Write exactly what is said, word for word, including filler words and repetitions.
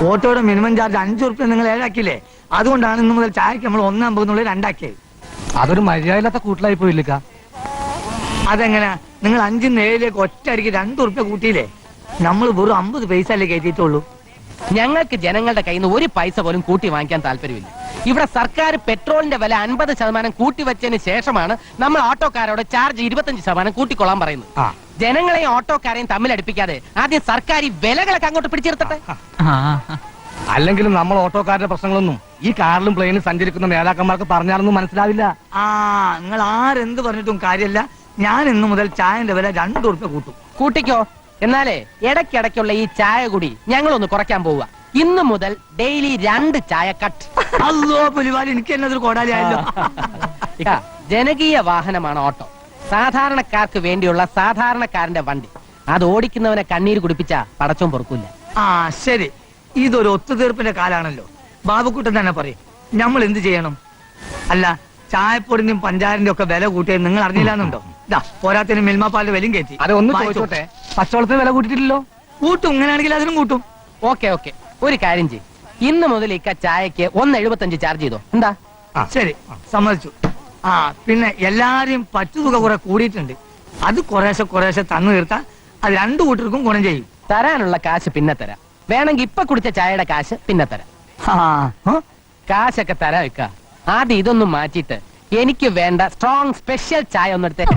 ഓട്ടോയുടെ minimum charge അഞ്ചു റുപ്യ നിങ്ങൾ ഏഴാക്കിയില്ലേ? അതുകൊണ്ടാണ് ഇന്ന് മുതൽ ചായക്ക് നമ്മൾ ഒന്നമ്പതെന്നുള്ളത് രണ്ടാക്കിയത്. അതൊരു മര്യാദയില്ലാത്ത കൂട്ടിലായി പോയില്ലിക്ക. അതെങ്ങനെയാ? നിങ്ങൾ അഞ്ചിന്ന് ഏഴിലേക്ക് ഒറ്റയടിക്ക് രണ്ടു റുപ്യ കൂട്ടിയില്ലേ? നമ്മൾ വെറും അമ്പത് പൈസ അല്ലേ കയറ്റിയിട്ടുള്ളൂ. ഞങ്ങൾക്ക് ജനങ്ങളുടെ കയ്യിൽ നിന്ന് ഒരു പൈസ പോലും കൂട്ടി വാങ്ങിക്കാൻ താല്പര്യമില്ല. ഇവിടെ സർക്കാർ പെട്രോളിന്റെ വില അൻപത് ശതമാനം കൂട്ടി വെച്ചതിന് ശേഷമാണ് നമ്മൾ ഓട്ടോക്കാരോട് ചാർജ് ഇരുപത്തഞ്ച് ശതമാനം കൂട്ടിക്കൊള്ളാൻ പറയുന്നത്. ജനങ്ങളെയും ഓട്ടോക്കാരെയും തമ്മിലടിപ്പിക്കാതെ ആദ്യം സർക്കാർ ഈ വിലകളൊക്കെ അങ്ങോട്ട് പിടിച്ചെടുത്തട്ടെ. അല്ലെങ്കിലും നമ്മൾ ഓട്ടോക്കാരുടെ പ്രശ്നങ്ങളൊന്നും ഈ കാറിലും പ്ലെയിനും സഞ്ചരിക്കുന്ന നേതാക്കന്മാർക്ക് പറഞ്ഞാലൊന്നും മനസ്സിലാവില്ല. ആ നിങ്ങൾ ആരെന്ത് പറഞ്ഞിട്ടും കാര്യമല്ല. ഞാൻ ഇന്നു മുതൽ ചായന്റെ വില രണ്ടു റുപ്യ കൂട്ടും. കൂട്ടിക്കോ. എന്നാലേ ഇടയ്ക്കിടയ്ക്കുള്ള ഈ ചായ കൂടി ഞങ്ങളൊന്ന് കുറയ്ക്കാൻ പോവുക. ഇന്നു മുതൽ ഡെയിലി രണ്ട് ചായ കട്ട്. അല്ലോ പുലിവാലി, എനിക്ക് എന്നതൊരു കോടാലിയായല്ലോ. ജനകീയ വാഹനമാണ് ഓട്ടോ. സാധാരണക്കാർക്ക് വേണ്ടിയുള്ള സാധാരണക്കാരന്റെ വണ്ടി. അത് ഓടിക്കുന്നവനെ കണ്ണീര് കുടിപ്പിച്ച പടച്ചോൻ പൊറുക്കൂല. ആ ശരി, ഇതൊരു ഒത്തുതീർപ്പിന്റെ കാലാണല്ലോ. ബാബുക്കുട്ടൻ തന്നെ പറയും, നമ്മൾ എന്ത് ചെയ്യണം? അല്ല, ചായപ്പൊടിന്റെയും പഞ്ചാരിന്റെ ഒക്കെ വില കൂട്ടിയത് നിങ്ങൾ അറിഞ്ഞില്ലാന്നുണ്ടോ? ഇതാ പോരാത്തിന് മിൽമാപ്പാലിന്റെ വിലയും കയറ്റി. അതൊന്നും ചോദിച്ചോട്ടെ, പച്ചവെള്ളത്തിന് വില കൂട്ടിയിട്ടില്ലല്ലോ. കൂട്ടും, ഇങ്ങനെയാണെങ്കിൽ അതിനും കൂട്ടും. ഓക്കെ ഓക്കെ, ഒരു കാര്യം ചെയ്യും. ഇന്ന് മുതൽ ഇക്ക ചായക്ക് ഒന്ന് എഴുപത്തഞ്ച് ചാർജ് ചെയ്തോ. എന്താ? ശരി, സമ്മതിച്ചു. ആ പിന്നെ എല്ലാരെയും പറ്റുതുക കുറെ കൂടിയിട്ടുണ്ട്. അത് കുറേശ്ശെ കുറേശ്ശെ തന്നു തീർത്താൽ അത് രണ്ടു കൂട്ടർക്കും ഗുണം ചെയ്യും. തരാനുള്ള കാശ് പിന്നെ തരാം. വേണമെങ്കിൽ ഇപ്പൊ കുടിച്ച ചായയുടെ കാശ് പിന്നെ തരാം. കാശൊക്കെ തരാം വെക്ക. ആദ്യം ഇതൊന്നും മാറ്റിയിട്ട് എനിക്ക് വേണ്ട സ്ട്രോങ് സ്പെഷ്യൽ ചായ ഒന്നെടുത്ത്